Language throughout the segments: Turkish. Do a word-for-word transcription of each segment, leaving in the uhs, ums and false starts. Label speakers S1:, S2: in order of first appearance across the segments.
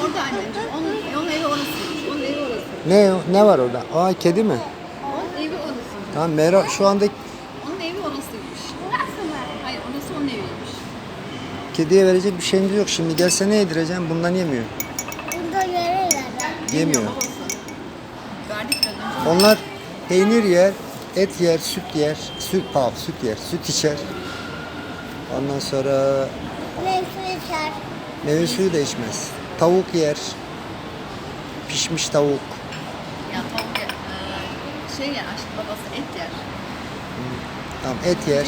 S1: orada anneciğim. Onun, onun evi orasıymış. Onun evi orası.
S2: Ne ne var orada? Aa, kedi mi?
S1: Onun evi orası.
S2: Tamam, Mera şu anda
S1: Onun evi orasıymış.
S3: Burası mı?
S1: Hayır, orası onun eviymiş.
S2: kediye verecek bir şeyimiz yok. Şimdi gelse ne yedireceğim? Bundan yemiyor.
S3: Bunda verirler.
S2: Yemiyor.
S1: Babası. Verdik biraz önce.
S2: Onlar peynir yer, et yer, süt yer, süt pardon, süt yer, süt içer. Ondan sonra
S3: Meyve içer.
S2: meyve suyu da içmez. Tavuk yer, pişmiş tavuk.
S1: Ya tavuk yer. Ee, şey yer, aşkım babası et yer.
S2: Tamam, et yer.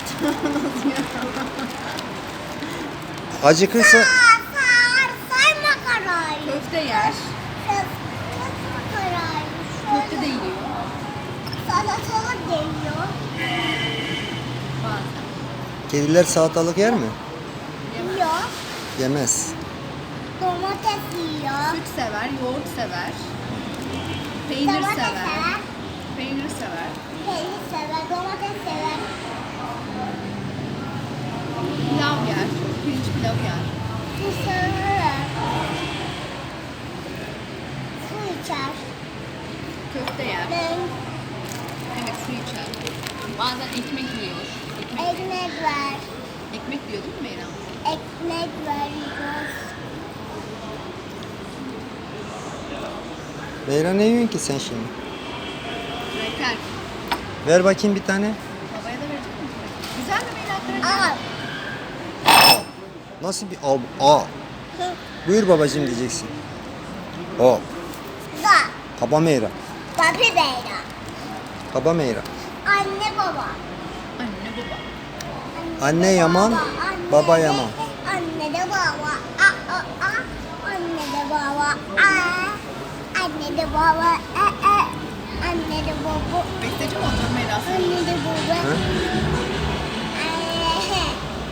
S2: Acıkırsa
S3: Aa, sar, sayma karayı.
S1: Köfte yer.
S3: Sayma karayı.
S1: Köfte de yiyor.
S3: Salatalık geliyor.
S1: Bazen.
S2: kediler salatalık yer mi?
S3: Yiyor.
S2: Yemez.
S3: Domates yiyor.
S1: Süt sever, yoğurt sever. Peynir
S3: Domates
S1: sever.
S3: sever.
S1: Peynir sever.
S3: Peynir sever. Domates sever.
S1: Pilav yer. Pirinç pilav yer.
S3: Su sever. Su içer.
S1: Köfte yer.
S3: Ben
S1: Evet, su içer. Bazen ekmek yiyor. Ekmek,
S3: ekmek ver.
S1: ekmek yiyor değil mi Meyra?
S3: Ekmek veriyoruz.
S2: Meyra, ne yiyorsun ki sen şimdi?
S1: Reker.
S2: Ver bakayım bir tane.
S1: Babaya da verecek misin? Güzel mi Meyra? Kraker?
S3: Al.
S2: Nasıl bir al? Aa. Buyur babacığım diyeceksin. O.
S3: Da.
S2: Kaba Meyra.
S3: Papi beyler.
S2: Kaba Meyra.
S3: Anne baba.
S1: Anne baba.
S2: Anne yaman,
S3: anne
S2: baba
S3: de-
S2: yaman.
S3: Anne de baba. A, a, a. Anne de baba. A. Anne de baba. A, a. Anne de baba.
S1: Besteci mi olacak Meyra?
S3: Anne